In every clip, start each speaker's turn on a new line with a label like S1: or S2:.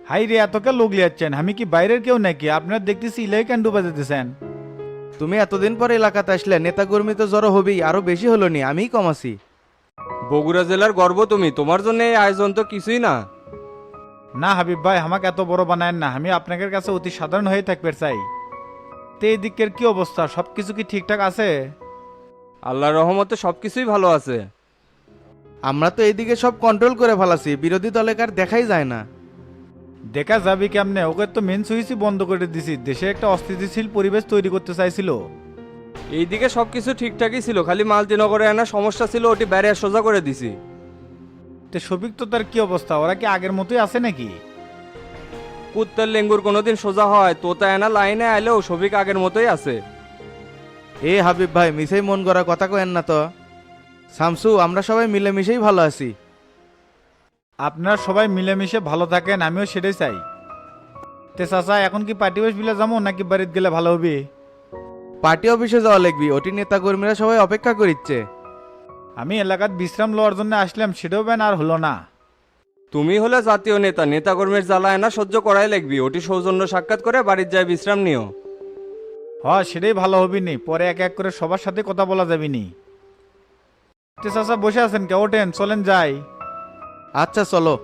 S1: High রে, এতকে লোক লিয়াচ্ছেন, আমি কি বাইরের কেউ নাকি? আপনার দেখতেছি ইলাই ক্যান্ডু বাজাতেছেন।
S2: তুমি এতদিন পর এলাকাতে আসলে, নেতাকর্মী তো জড়ো হবেই, আরো বেশি হলো নি, আমিই কম আছি।
S3: বগুড়া জেলার গর্ব তুমি, তোমার জন্য এই আয়োজন তো কিছুই না।
S1: না হাবিব ভাই, আমাকে এত বড় বানায়েন না, আমি আপনাদের কাছে অতি সাধারণ হয়ে থাকবে চাই। তে এই দিকের কি অবস্থা, সব কিছু কি ঠিকঠাক আছে?
S3: আল্লাহর রহমতে সবকিছুই ভালো আছে।
S2: আমরা তো এইদিকে সব কন্ট্রোল করে ফেলাছি, বিরোধী দলের দেখাই যায় না।
S1: দেখা যাবি কেমনে? ওকে তো মেন সুইচই বন্ধ করে দিছি, দেশে একটা অস্থিতিশীল পরিবেশ তৈরি করতে চাইছিল।
S3: এইদিকে সবকিছু ঠিকঠাকই ছিল, খালি মালতিনগরে একটা সমস্যা ছিল, ওটি ব্যারিয়ার সোজা করে দিছি।
S1: তে সবিক তো তার কি অবস্থা, ওরা কি আগের মতোই আছে নাকি?
S3: কুত্তার লেঙ্গুর কোনোদিন সোজা হয়, তোতা এনা লাইনে আইলেও সবিক আগের মতোই আছে।
S2: এ হাবিব ভাই, মিশেই মন গড়া কথা কেন না তো। শামসু, আমরা সবাই মিলেমিশেই ভালো আছি।
S1: আপনারা সবাই মিলেমিশে ভালো থাকেন, আমিও সেটাই চাই। তে চাচা, এখন কি পার্টি অফিস বিলে যাবো নাকি বাড়িতে গেলে ভালো হবে?
S2: পার্টি অফিসে যাওয়া লাগবি, ওটি নেতাকর্মীরা সবাই অপেক্ষা করিচ্ছে।
S1: আমি এলাকার বিশ্রাম লওয়ার জন্য আসলাম, সেটাও বেন আর হলো না।
S3: তুমি হলে জাতীয় নেতা, নেতাকর্মীর জ্বালা এনা সহ্য করাই লাগবি, ওটি সৌজন্য সাক্ষাৎ করে বাড়ির যায় বিশ্রাম নিও।
S1: সেটাই ভালো হবে নি, পরে এক এক করে সবার সাথে কথা বলা যাবে নি। তে চাচা বসে আছেন কে? ওঠেন, চলেন যাই।
S2: আচ্ছা চলো।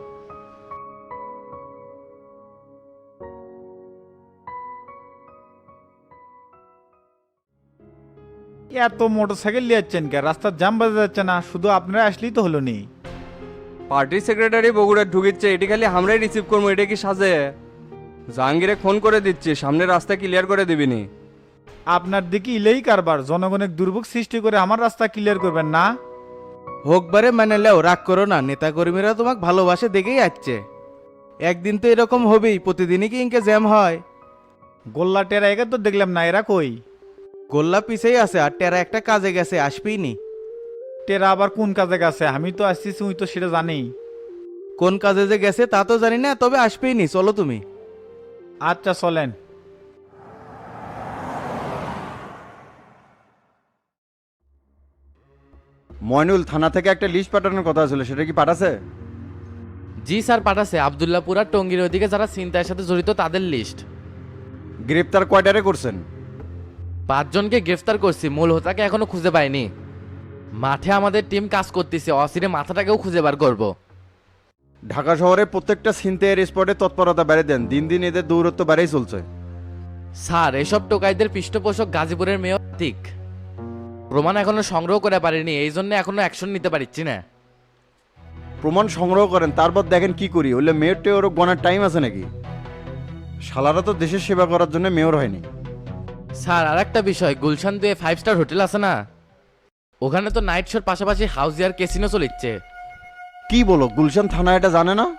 S1: এত মোটরসাইকেল লিয়াচ্ছেন কে? রাস্তার জাম বাজে যাচ্ছে না? শুধু আপনারা আসলেই তো হলো নি।
S3: পার্টির সেক্রেটারি বগুড়ার ঢুকিচ্ছে, এটি খালি আমরাই রিসিভ করবো, এটা কি সাজে? জাহাঙ্গীরে ফোন করে দিচ্ছি, সামনে রাস্তা ক্লিয়ার করে দিবিনি।
S1: আপনার দিকে ইলেই কারবার, জনগণের দুর্ভোগ সৃষ্টি করে আমার রাস্তা ক্লিয়ার করবেন না?
S2: হোকবারে মানে লেও, রাগ করো না, নেতাকর্মীরা তোমাকে ভালোবাসে দেখেই আসছে। একদিন তো এরকম হবেই, প্রতিদিনই কি ইনকে জ্যাম হয়?
S1: গোল্লা টেরা একে তো দেখলাম না, এরা কই?
S2: গোল্লা পিছেই আছে, আর টেরা একটা কাজে গেছে, আসবেই নি।
S1: টেরা আবার কোন কাজে গেছে? আমি তো আসতেছি, উই তো সেটা জানি।
S2: কোন কাজে যে গেছে তা তো জানি না, তবে আসবেই নি, চলো তুমি।
S1: আচ্ছা চলেন।
S4: ময়নুল, থানা থেকে একটা লিস্ট পাঠানোর কথা ছিল, সেটা কি পাঠাছে?
S5: জি স্যার, পাঠাছে। আবদুল্লাপুর আর টঙ্গীর ওইদিকে যারা ছিনতাইয়ের সাথে জড়িত তাদের লিস্ট।
S4: গ্রেপ্তার কয়টারে করছেন?
S5: 5 জনকে গ্রেফতার করছি, মূল হোতাকে এখনো খুঁজে পাইনি। মাঠে আমাদের টিম কাজ করতেছে, অসিরে মাথাটাকেও খুঁজে বার করব।
S4: ঢাকা শহরে প্রত্যেকটা ছিনতাইয়ের স্পটে তৎপরতা বাড়িয়ে দেন, দিন দিন এদের দৌরত্ব বাড়াই চলছে।
S5: স্যার, এসব টোকাইদের পৃষ্ঠপোষক গাজীপুরের মেয়র আতিক। প্রমাণ এখনো সংগ্রহ করে পারিনি, এই জন্য এখনো অ্যাকশন নিতে পারছি না।
S4: প্রমাণ সংগ্রহ করেন, তারপর দেখেন কি করি। হলে মেয়র টেয়র গণার টাইম আছে নাকি? শালারা তো দেশের সেবা করার জন্য মেয়র হয়নি।
S5: স্যার, আর একটা বিষয়, গুলশান 2 5 স্টার হোটেল আছে না, ওখানে তো নাইট শোর পাশাপাশি হাউজিয়ার ক্যাসিনো চলিচ্ছে।
S4: কি বলো, গুলশান থানা এটা জানে না?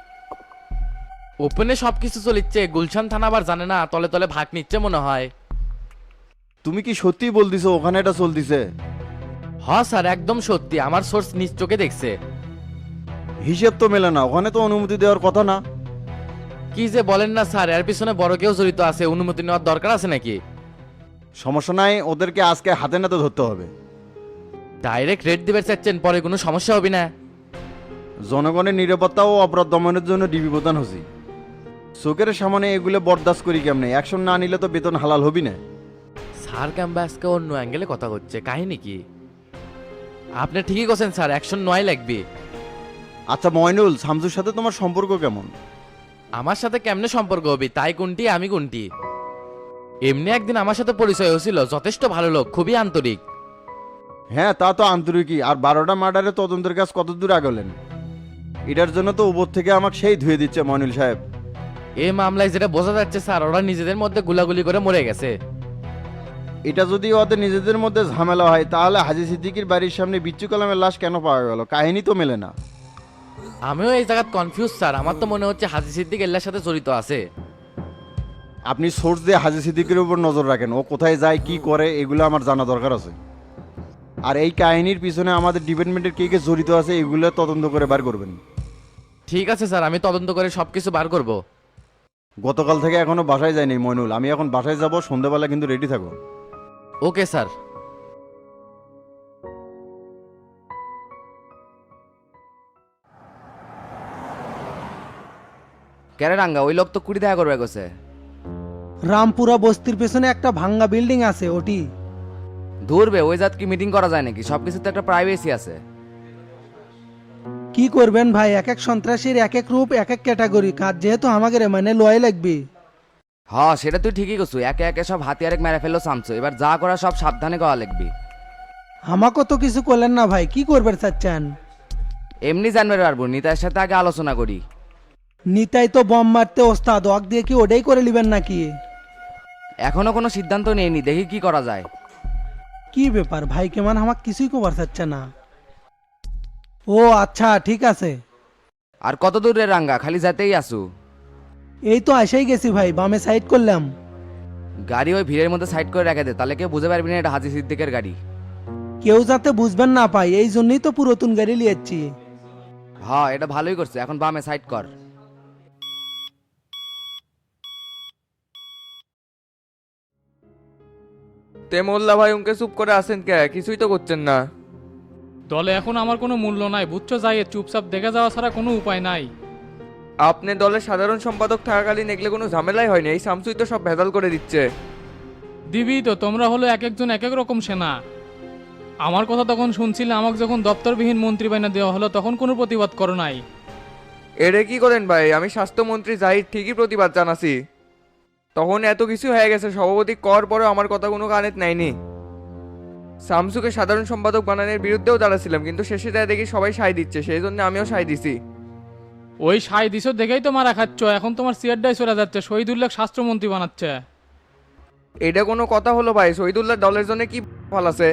S5: ওপেনে সবকিছু চলিচ্ছে, গুলশান থানা আবার জানে না? তলে তলে ভাগ নিচ্ছে মনে হয়।
S4: তুমি কি সত্যি বলতিছো ওখানে এটা চলতিছে?
S5: হ্যাঁ স্যার, একদম সত্যি, আমার সোর্স নিজ চোখে দেখছে।
S4: হিসেব তো মেলে না, ওখানে তো অনুমতি দেওয়ার কথা না।
S5: কি যে বলেন না স্যার, এর পিছনে বড় কেউ জড়িত আছে, অনুমতি নেওয়ার দরকার আছে নাকি?
S4: সমস্যা নাই, ওদেরকে আজকে হাতে নাতে ধরতে হবে।
S5: ডাইরেক্ট রেড দিবে চাচ্ছেন, পরে কোনো সমস্যা হবে না?
S4: জনগণের নিরাপত্তা ও অপরাধ দমনের জন্য ডিবি প্রদান হছি। চোখের সামনে এগুলো বরদাস্ত করি কেমনে? অ্যাকশন না নিলে তো বেতন হালাল হবি না।
S5: স্যার ক্যাম্বাসকে অন্য অ্যাঙ্গেলে কথা হচ্ছে, কাহিনী কি? আপনি ঠিকই করছেন স্যার, অ্যাকশন নয় লাগবে।
S4: আচ্ছা ময়নুল, শামসুর সাথে তোমার সম্পর্ক কেমন?
S5: আমার সাথে কেমনে সম্পর্ক হবে? তাই কোনটি আমি কোনটি? এমনি একদিন আমার সাথে পরিচয় হয়েছিল, যথেষ্ট ভালো লোক, খুবই আন্তরিক।
S4: হ্যাঁ, তা তো আন্তরিকই। আর 12টা মার্ডারে তদন্তের কাজ কত দূর আগলেন? এটার জন্য তো উপর থেকে আমাকে সেই ধুয়ে দিচ্ছে ময়নুল সাহেব।
S5: এই মামলায় যেটা বোঝা যাচ্ছে স্যার, ওরা নিজেদের মধ্যে গুলাগুলি করে মরে গেছে।
S4: এটা যদি ওদের নিজেদের মধ্যে ঝামেলা হয়, তাহলে হাজি সিদ্দিকীর বাড়ির সামনে বিচ্ছু কালামের লাশ কেন পাওয়া গেল? কাহিনী তো মেলে না।
S5: আমিও এই জায়গায় কনফিউজ স্যার, আমার তো মনে হচ্ছে হাজি সিদ্দিক এল্লার সাথে জড়িত আছে।
S4: আপনি সোর্স দিয়ে হাজি সিদ্দিকের উপর নজর রাখেন, ও কোথায় যায় কি করে এগুলো আমার জানা দরকার আছে। আর এই কাহিনীর পিছনে আমাদের ডিপার্টমেন্টের কে কে জড়িত আছে এগুলো তদন্ত করে বার করবেন।
S5: ঠিক আছে স্যার, আমি তদন্ত করে সবকিছু বার করব।
S4: গতকাল থেকে এখনো বাসায় যায়নি মইনুল, আমি এখন বাসায় যাব, সন্ধ্যাবেলা কিন্তু রেডি থাকো।
S5: Okay sir. কেরে রাঙ্গা ওই লোক তো কুড়ি দেখা করবে গেছে।
S6: রামপুরা বস্তির পেছনে একটা ভাঙ্গা বিল্ডিং আছে ওটি।
S5: ধরবে ওই জাত কি মিটিং করা যায় নাকি? সবকিছুতে একটা প্রাইভেসি আছে।
S6: কি করবেন ভাই, এক এক সন্ত্রাসীর এক এক রূপ, এক এক ক্যাটাগরি কাজ, যেহেতু আমাকে মানে লয় লাগবে।
S5: হ্যাঁ সেটা তুই ঠিকই করছু, একে একে সব হাতিয়ারে মেরে ফেললো চামচো, এবার যা করা সব সাবধানে করা লাগবি।
S6: আমাকে তো কিছু করলেন না ভাই, কি করবেন চাচ্ছেন?
S5: এমনি জানবে পারবো, নিতার সাথে আগে আলোচনা করি।
S6: নিতাই তো বম মারতে ওস্তাদ, ওয়াক দিয়ে কি ওটাই করে নেবেন নাকি?
S5: এখনো কোনো সিদ্ধান্ত নেইনি, দেখি কি করা যায়।
S6: কি ব্যাপার ভাই, কেমন আমাকে কিছুই কবার চাচ্ছে না? ও আচ্ছা ঠিক আছে।
S5: আর কত দূরে রাঙ্গা, খালি যেতেই আসু?
S6: এই তো আসাই গেছি ভাই, বামে সাইড করলাম।
S5: গাড়ি ওই ভিড়ের মধ্যে সাইড করে রেখে দে, তাহলে কেউ বুঝতে পারবি না এটা হাজি সিদ্দিকের গাড়ি।
S6: কেউ যাতে বুঝবেন না পাই, এই জন্যই তো পুরাতন গাড়ি লিয়েছি।
S5: হ্যাঁ এটা ভালোই করছে, এখন বামে সাইড কর।
S3: তে মোল্লা ভাই উনকে চুপ করে আছেন কে? কিছুই তো করছেন না।
S7: দলে এখন আমার কোনো মূল্য নাই বুঝছো, যাই চুপচাপ দেখে যাওয়া ছাড়া কোনো উপায় নাই।
S3: আপনি দলের সাধারণ সম্পাদক থাকাকালীন এগুলো কোনো ঝামেলাই হয়নি, এই শামসুই তো সব ভেজাল করে দিচ্ছে।
S7: দিবি তো, তোমরা হলো এক একজন এক এক রকম সেনা। আমার কথা তখন শুনছিলে, আমাকে যখন দপ্তরবিহীন মন্ত্রী বানা দেওয়া হলো তখন কোনো প্রতিবাদ করো নাই।
S3: এরে কি করেন ভাই, আমি স্বাস্থ্যমন্ত্রী জাহিদ ঠিকই প্রতিবাদ জানাছি। তখন এত কিছু হয়ে গেছে, সভাপতি কর পরেও আমার কথা কোনো কানেত নাইনি। শামসুকে সাধারণ সম্পাদক বানানোর বিরুদ্ধেও দাঁড়াছিলাম, কিন্তু শেষে যায় দেখি সবাই সায় দিচ্ছে, সেই জন্য আমিও সায় দিছি।
S7: ওই সাই দিছ দেখেই তো মারা খাচ্ছ, এখন তোমার সিয়ারডাই চলে যাচ্ছে, শহীদুল্লাহ স্বাস্থ্যমন্ত্রী বানাচ্ছে।
S3: এটা কোনো কথা হলো ভাই? শহীদুল্লাহ দলের জন্য কি ফল আছে?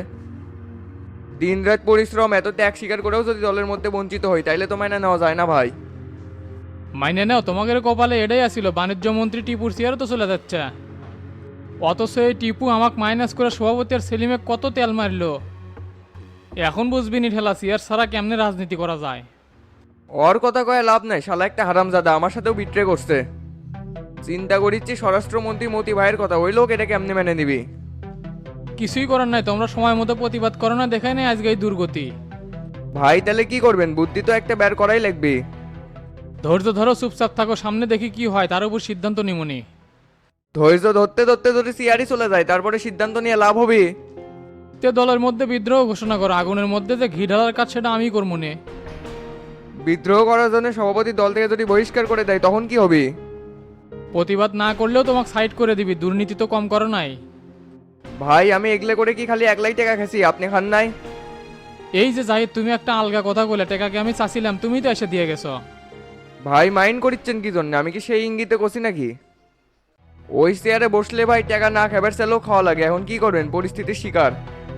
S3: দিনরাত পরিশ্রম, এত ত্যাগ স্বীকার করেও যদি দলের মধ্যে বঞ্চিত হই, তাইলে তো মাইনা নেওয়া যায় না ভাই।
S7: মাইনে নাও, তোমাদের কপালে এটাই আসিল, বাণিজ্য মন্ত্রী টিপুর সিয়ারও তো চলে যাচ্ছে। অথচ এই টিপু আমাকে মাইনাস করে সভাপতি আর সেলিমে কত তেল মারলো। এখন বুঝবি নি ঠেলা, সিয়ার ছাড়া কেমনে রাজনীতি করা যায়।
S3: ওর কথা কয়ে লাভ নাই, শালা একটা হারামজাদা আমার সাথেও বিট্রে করছে। চিন্তা করিচ্ছি স্বরাষ্ট্রমন্ত্রী মতি ভাইয়ের কথা, ওই লোক এটা কেমনে মেনে নিবি?
S7: কিছুই করার নাই, তোমরা সময় মতো প্রতিবাদ করো না, দেখাই নাই আজকে এই দুর্গতি।
S3: ভাই তাহলে কি করবেন? বুদ্ধি তো একটা বের করাই লাগবে।
S7: ধৈর্য ধরো, চুপচাপ থাকো, সামনে দেখি কি হয়, তার উপর সিদ্ধান্ত নিমনি।
S3: ধৈর্য ধরতে ধরতে যদি সিআরই চলে যায়, তারপরে সিদ্ধান্ত নিয়ে লাভ হবে?
S7: তে দলের মধ্যে বিদ্রোহ ঘোষণা করো, আগুনের মধ্যে যে ঘি ঢালার কাজ সেটা আমি করবো নে।
S3: বিদ্রোহ করার জন্য সভাপতি দল থেকে যদি বহিষ্কার করে দেয় তখন কি হবে?
S7: প্রতিবাদ না করলেও তোমাকে সাইড করে দিবি, দুর্নীতি তো কম করো নাই।
S3: ভাই আমি এগলে করে কি খালি একলাই টাকা খেছি, আপনি খান নাই?
S7: এই যে জাহিদ, তুমি একটা আলগা কথা বলে টেকাকে আমি চাচ্ছিলাম, তুমি তো এসে দিয়ে গেছো।
S3: ভাই মাইন্ড করিচ্ছেন কি জন্য? আমি কি সেই ইঙ্গিতে করছি নাকি? ওই চেয়ারে বসলে ভাই টাকা না খাবার চালেও খাওয়া লাগে, এখন কি করবেন? পরিস্থিতির শিকার।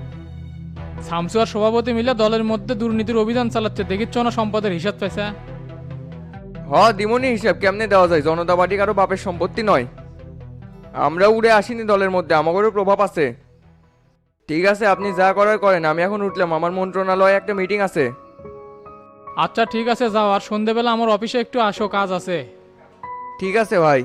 S7: শামসু আর সভাপতি মিলে দলের মধ্যে দুর্নীতির অভিযান চালাচ্ছে, দেখিচ্ছ না সম্পদের হিসাব পেয়েছে।
S3: দিমনি হিসাব কেমনে দেওয়া যায়? জনতা পার্টি কারো বাপের সম্পত্তি নয়। আমরা উড়ে আসিনি দলের মধ্যে, আমাদেরও প্রভাব আছে। ঠিক আছে আপনি যা করার করেন, আমি এখন উঠলাম, আমার মন্ত্রণালয়ে একটা মিটিং আছে।
S7: আচ্ছা ঠিক আছে যাও, আর সন্ধেবেলা আমার অফিসে একটু আসো, কাজ আছে।
S3: ঠিক আছে ভাই।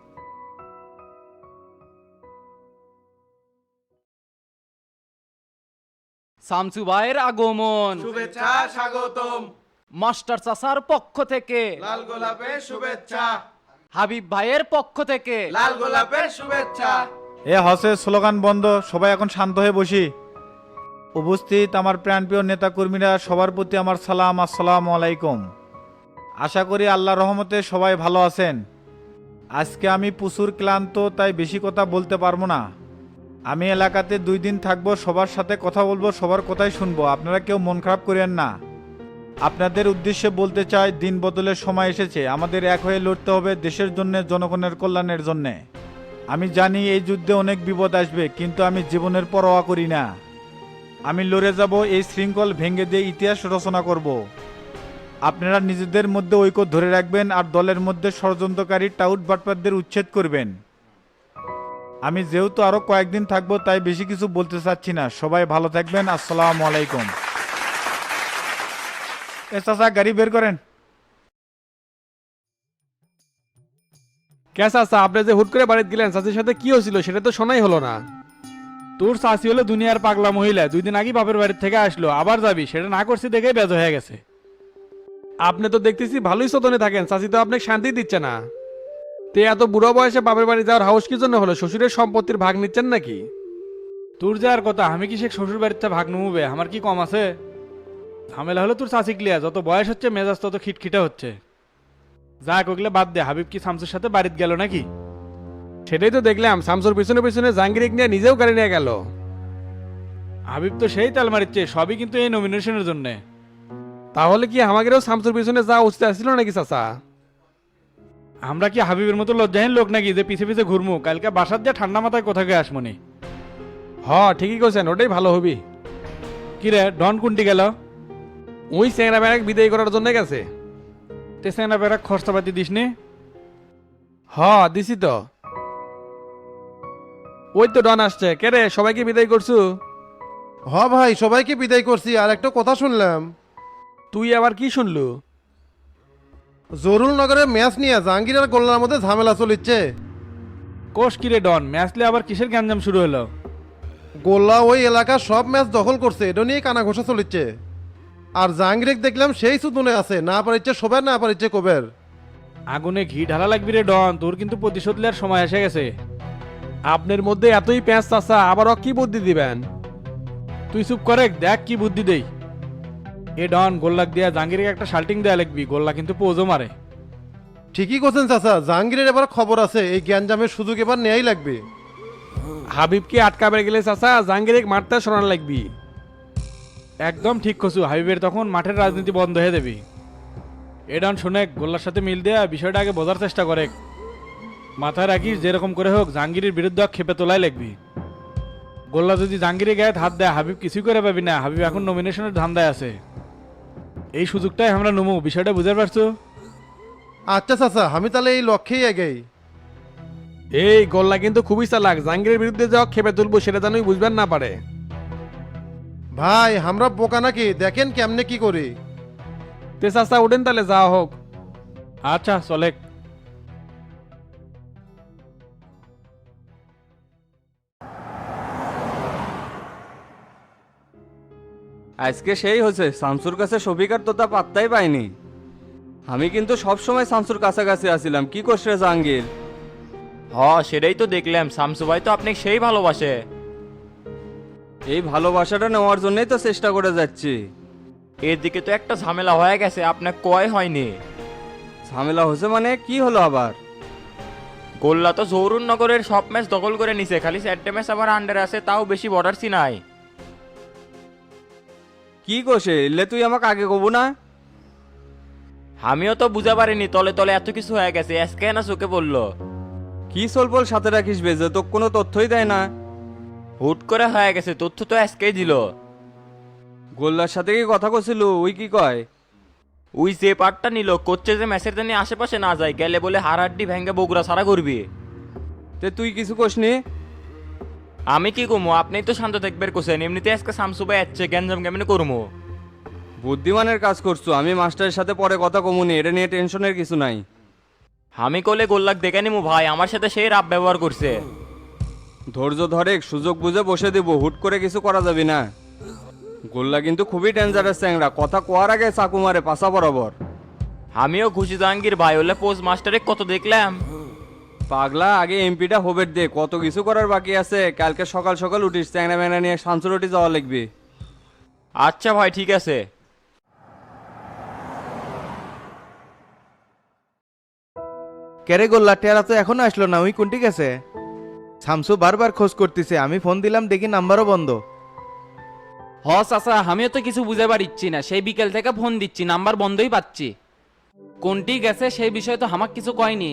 S8: শামসু ভাইয়ের আগমন, শুভেচ্ছা স্বাগতম। মাস্টার চাচার পক্ষ থেকে লাল গোলাপের শুভেচ্ছা, হাবিব ভাইয়ের পক্ষ থেকে লাল গোলাপের শুভেচ্ছা।
S1: এ হসে স্লোগান বন্ধ, সবাই এখন শান্ত হয়ে বসি। উপস্থিত আমার প্রাণপ্রিয় নেতা কর্মীরা, সবার প্রতি আমার সালাম, আসসালামু আলাইকুম। আশা করি আল্লাহর রহমতে সবাই ভালো আছেন। আজকে আমি প্রচুর ক্লান্ত, তাই বেশি কথা বলতে পারবো না। আমি এলাকাতে 2 দিন থাকবো, সবার সাথে কথা বলবো, সবার কথাই শুনবো, আপনারা কেউ মন খারাপ করেন না। আপনাদের উদ্দেশ্যে বলতে চাই, দিন বদলের সময় এসেছে, আমাদের এক হয়ে লড়তে হবে দেশের জন্য, জনগণের কল্যাণের জন্যে। আমি জানি এই যুদ্ধে অনেক বিপদ আসবে, কিন্তু আমি জীবনের পরোয়া করি না। আমি লড়ে যাব, এই শৃঙ্খল ভেঙে দিয়ে ইতিহাস রচনা করব। আপনারা নিজেদের মধ্যে ঐক্য ধরে রাখবেন, আর দলের মধ্যে ষড়যন্ত্রকারী টাউট বাটপারদের উচ্ছেদ করবেন। আমি যেহেতু আরো কয়েকদিন থাকবো, তাই বেশি কিছু বলতে চাচ্ছি না। সবাই ভালো থাকবেন, আসসালামু আলাইকুম। এ চাচা, গাড়ি বের করেন।
S9: কে চাচা, আপনি যে হুট করে বাড়িতে গেলেন, চাচির সাথে কি হয়েছিল সেটা তো শোনাই হলো না। তোর চাচি হলো দুনিয়ার পাগলা মহিলা, 2 দিন আগে বাপের বাড়ির থেকে আসলো, আবার যাবি, সেটা না করছি দেখে বেজ হয়ে গেছে। আপনি তো দেখতেছি ভালোই চতনে থাকেন, চাচি তো আপনাকে শান্তি দিচ্ছে না। তে এত বুড়ো বয়সে বাপের বাড়ি যাওয়ার হাউস কি জন্য হলো? শ্বশুরের সম্পত্তির ভাগ নিচ্ছেন নাকি?
S2: তোর যাওয়ার কথা, আমি কি সে শ্বশুর বাড়িতে ভাগ নমুবে? আমার কি কম আছে? ঝামেলা হলো তোর চাচি ক্লিয়া, যত বয়স হচ্ছে মেজাজ তত খিটখিটা হচ্ছে। যাক ওগুলো বাদ দে, হাবিব কি শামসুর সাথে বাড়িতে গেল নাকি?
S9: সেটাই তো দেখলাম, শামসুর পিছনে পিছনে জাহাঙ্গীর নিয়ে নিজেও গাড়ি নিয়ে গেল।
S2: হাবিব তো সেই তাল মারিচ্ছে, সবই কিন্তু এই নমিনেশনের জন্য।
S9: তাহলে কি আমাদেরও শামসুর পিছনে যাওয়া উচিত ছিল নাকি চাচা?
S2: আমরা কি হাবিবের মতো লজ্জাহীন লোক নাকি যে পিছে পিছে ঘুরমু? কালকে বাসার দিয়ে ঠান্ডা মাথায় কোথা গিয়ে আসমনি।
S9: ঠিকই করছেন, ওটাই ভালো হবি।
S2: কিরে ডন কুন্টি গেল?
S9: ওই চেংরা ব্যাগ বিদায় করার জন্য গেছে।
S2: তেসেনা বেড়া খরচাপাতি দিস নি?
S9: দিছি তো। ওই তো ডন আসছে। কে রে, সবাইকে বিদায় করছু?
S10: ভাই সবাইকে বিদায় করছি, আর একটা কথা শুনলাম।
S9: তুই আবার কি শুনলু?
S10: জরুল নগরের ম্যাচ নিয়ে জাহাঙ্গীর আর গোল্লার মধ্যে ঝামেলা চলিচ্ছে।
S2: কোষ কিরে ডন, ম্যাচলে আবার কিসের গ্যাঞ্জাম শুরু হলো?
S10: গোল্লা ওই এলাকার সব ম্যাচ দখল করছে, এটা নিয়ে কানা ঘোষা চলিচ্ছে। আর জাহাঙ্গীর দেখলাম সেই সুদনে আছে, না পারিচ্ছে সবের না পারিচ্ছে কবের।
S2: আগুনে ঘি ঢালা লাগবি রে ডন, তোর কিন্তু প্রতিশোধ নেওয়ার সময় এসে গেছে।
S9: আপনার মধ্যে এতই প্যাঁচ চাচা, আবারও কি বুদ্ধি দিবেন?
S2: তুই চুপ করে দেখ কি বুদ্ধি দেই। এ ডন, গোল্লাক দিয়া জাহাঙ্গীরকে একটা শাল্টিং দেয়া লাগবি, গোল্লা কিন্তু পোজও মারে।
S10: ঠিকই করছেন চাচা, জাহাঙ্গীরের এবার খবর আছে, এই গ্যাঞ্জামের সুযোগ এবার নেয়াই লাগবে।
S9: হাবিবকে আটকাবে গেলে চাচা জাহাঙ্গীর মারতে শোনান লাগবি।
S2: একদম ঠিক কছু, হাবিবের তখন মাঠের রাজনীতি বন্ধ হয়ে দেবি। এ ডন শোনে, গোল্লার সাথে মিল দেয়া বিষয়টা আগে বোঝার চেষ্টা করে। মাথায় রাখিস, যেরকম করে হোক জাহাঙ্গীরের বিরুদ্ধে খেপে তোলাই লাগবি। গোল্লা যদি জাহাঙ্গীরের গায়ে হাত দেয়, হাবিব কিছুই করে পাবি না। হাবিব এখন নমিনেশনের ধান্দায় আছে। এই সুযোগটাই আমরা নমু, বিষয়টা বুঝতে পারছো?
S10: আচ্ছা চাচা, আমি তাহলে এই লক্ষ্যেই এগেই।
S9: এই গোল্লা কিন্তু খুবই চালাক, জাহাঙ্গীরের বিরুদ্ধে যাওয়া খেপে তুলবো সেটা জানুই বুঝবেন না পারে।
S10: ভাই আমরা বোকা নাকি? দেখেন কেমনে কি করি।
S9: তে চাচা উঠেন তাহলে যাওয়া হোক।
S2: আচ্ছা চলে।
S3: আজকে সেই হয়েছে, শামসুর কাছে শফিকার তো তা পাত্তাই পাইনি। আমি কিন্তু সব সময় শামসুর কাছাকাছি আছিলাম। কি করছে রে জাহাঙ্গীর?
S5: সেটাই তো দেখলাম, শামসু ভাই তো আপনি সেই ভালোবাসে।
S3: এই ভালোবাসাটা নেওয়ার জন্যই তো চেষ্টা করে যাচ্ছি।
S5: এদিকে তো একটা ঝামেলা হয়ে গেছে, আপনার কয় হয়নি?
S3: ঝামেলা হয়েছে মানে কি হলো আবার?
S5: গোল্লা তো জহুরুন নগরের সব ম্যাচ দখল করে নিছে, খালি 4টে ম্যাচ আবার আন্ডার আছে, তাও বেশি বর্ডারসি নাই।
S3: কি কোষে এলে তুই আমাকে আগে কব না?
S5: আমিও তো বুঝা পারিনি, তলে তলে এত কিছু হয়ে গেছে, আজকে না চোখে পড়লো।
S3: কি সলপল সাথে রাখিস বেজে, তো কোনো তথ্যই দেয় না।
S5: হুট করে হয়ে গেছে, তথ্য তো আজকেই দিল।
S3: গোল্লার সাথে কি কথা কছিল? ওই কি কয়?
S5: ওই যে পার্টটা নিল, করছে যে ম্যাচের জন্য আশেপাশে না যায়, গেলে বলে হাড়াড্ডি ভেঙে বগুড়া ছাড়া করবি।
S3: তে তুই কিছু কোসনি?
S5: আমি কি কমু, আপনিই তো শান্ত থাকবের কোসেন। এমনিতে আজকে শামসু ভাই আসছে, গ্যাঞ্জাম কেমনে করবো?
S3: বুদ্ধিমানের কাজ করছো। আমি মাস্টারের সাথে পরে কথা কমুনি, এটা নিয়ে টেনশনের কিছু নাই।
S5: আমি কলে গোল্লাক দেখে নিমু ভাই, আমার সাথে সেই রাব ব্যবহার করছে।
S3: ধৈর্য ধরে সুযোগ বুঝে বসে দিব, হুট করে কিছু করা যাবে না। গোল্লা কিন্তু খুবই ডেঞ্জারাস চ্যাংরা, কথা কোয়ার আগে চাকু মারে পাশা বরাবর।
S5: আমিও খুশি জাহাঙ্গীর ভাই, হলে পোস্ট মাস্টারে কত দেখলাম।
S3: পাগলা, আগে এমপিটা হোবের দে, কত কিছু করার বাকি আছে। কালকে সকাল সকাল উঠিস, চ্যাংরা ম্যাংরা নিয়ে শামসুরটি যাওয়া লাগবে।
S5: আচ্ছা ভাই ঠিক আছে।
S2: কেরে গোল্লা, টেরা তো এখনো আসলো না, ওই কোনটি গেছে? শামসু বারবার খোঁজ করতেছে, আমি ফোন দিলাম, দেখি নাম্বারও বন্ধ।
S8: চাচা আমিও তো কিছু বুঝে পারিচ্ছি না, সেই বিকেল থেকে ফোন দিচ্ছি, নাম্বার বন্ধই পাচ্ছি। কোনটি গেছে সেই বিষয়ে তো আমাকে কিছু কয়নি।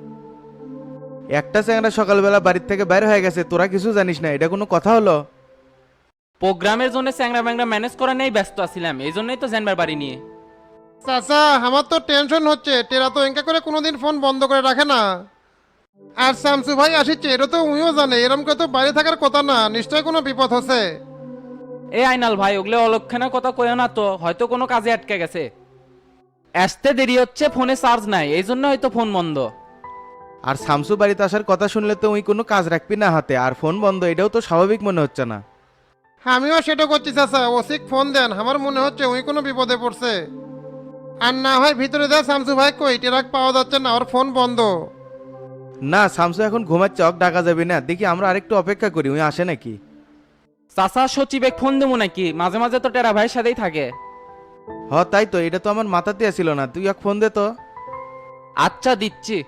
S2: একটা চ্যাংরা সকালবেলা বাড়ির থেকে বাইরে হয়ে গেছে, তোরা কিছু জানিস না, এটা কোনো কথা হলো?
S8: প্রোগ্রামের জন্য চ্যাংরা ম্যাংরা ম্যানেজ করা নেই, ব্যস্ত আছিলাম, এই জন্যই তো জানবার পারিনি।
S10: চাচা আমার তো টেনশন হচ্ছে, টেরা তো এঙ্কা করে কোনোদিন ফোন বন্ধ করে রাখে না। আর শামসু ভাই আসিচ্ছে, এটা তো উনিও জানে, এরম করে তো বাইরে থাকার কথা না, নিশ্চয় কোনো বিপদ হচ্ছে।
S8: এ আইনাল ভাই, ওগুলো অলক্ষণের কথা কইও না তো, হয়তো কোনো কাজে আটকে গেছে। আসতে দেরি হচ্ছে, ফোনে চার্জ নাই, এই জন্য হয়তো ফোন বন্ধ।
S2: আর শামসু বাড়িতে আসার কথা শুনলে তো ওই কোনো কাজ রাখবি না হাতে, আর ফোন বন্ধ, এটাও তো স্বাভাবিক মনে হচ্ছে না।
S10: আমিও সেটা করছি চাচা, ওসিক ফোন দেন, আমার মনে হচ্ছে ওই কোনো বিপদে পড়ছে। আর না হয় ভিতরে দেয় শামসু ভাই কই, টেরাক পাওয়া যাচ্ছে না, ওর ফোন বন্ধ।
S11: না শামসু এখন ঘুমাচ্ছে, অক ডাকা যাবে না, দেখি আমরা আরেকটু অপেক্ষা করি, উনি আসে নাকি।
S8: চাচা সচিবে ফোন দেবো নাকি? মাঝে মাঝে তো টেরা ভাইয়ের সাথেই থাকে।
S11: হ তাই তো, এটা তো আমার মাথাতে আসিল না, তুই এক ফোন দে তো।
S8: আচ্ছা দিচ্ছি।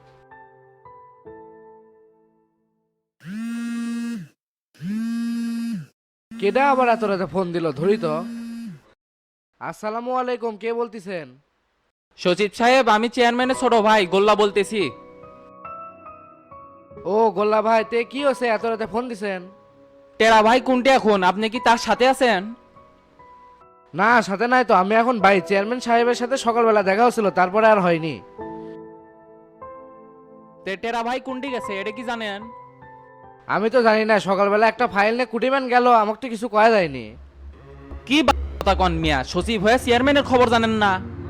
S5: কেডা আবার এত রাতে ফোন দিল, ধরি তো। আসসালামু আলাইকুম, কে বলতেছেন?
S8: সচিব সাহেব, আমি চেয়ারম্যানের ছোট ভাই গোল্লা বলতেছি।
S5: ও গোল্লা ভাই, তে কি হয়েছে এত রাতে ফোন দিছেন?
S8: টেরা ভাই কোনটি এখন? আপনি কি তার সাথে আছেন?
S5: না, সাথে নাই তো, আমি এখন ভাই চেয়ারম্যান সাহেবের সাথে সকালবেলা দেখা হচ্ছিল, তারপরে আর হয়নি।
S8: তে টেরা ভাই কোনটি গেছে এটা কি জানেন?
S5: আমি তো জানি না, সকালবেলা একটা ফাইল নিয়ে কুটিম্যান গেল, আমাকে তো কিছু কয়া যায়নি।
S8: কি কথা কন মিয়া, সচিব হয়ে চেয়ারম্যানের খবর জানেন না?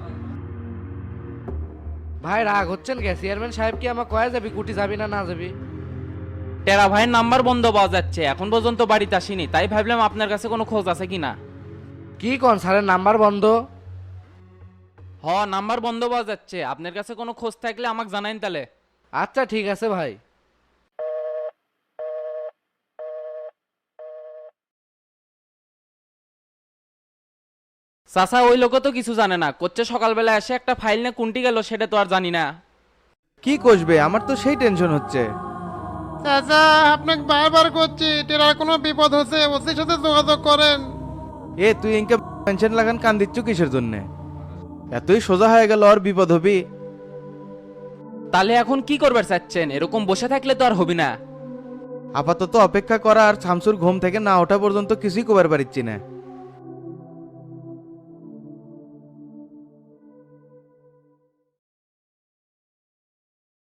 S5: ভাই রাগ হচ্ছেন কে? চেয়ারম্যান সাহেব কি আমাকে কয়া যাবি কুটি যাবি না না যাবি?
S8: টেরা ভাইয়ের নাম্বার বন্ধ পাওয়া যাচ্ছে, এখন পর্যন্ত বাড়িতে আসেনি, তাই ভাবলাম আপনার কাছে কোনো খোঁজ আছে কিনা।
S5: কি কোন স্যারের নাম্বার বন্ধ?
S8: হ, নাম্বার বন্ধ পাওয়া যাচ্ছে, আপনার কাছে কোনো খোঁজ থাকলে আমাকে জানাইন তাহলে।
S5: আচ্ছা ঠিক আছে ভাই।
S8: চাচা ওই লোক তো কিছু জানে না, করছে সকালবেলা এসে একটা ফাইল নিয়ে কোনটি গেল সেটা তো আর জানি না।
S11: কি কষবে, আমার তো সেই টেনশন হচ্ছে।
S10: চাচা আপনাকে বারবার করছি, টেরার কোনো বিপদ হচ্ছে ওসির সাথে যোগাযোগ করেন।
S11: এ তুই ইনকে টেনশন লাগান কান দিচ্ছ কিসের জন্যে? এতই সোজা হয়ে গেল আর বিপদ হবি।
S8: তাহলে এখন কি করবার চাচ্ছেন? এরকম বসে থাকলে তো আর হবি না।
S11: আপাতত অপেক্ষা করা, আর শামসুর ঘুম থেকে না ওঠা পর্যন্ত কিছুই কবার পারিচ্ছি না।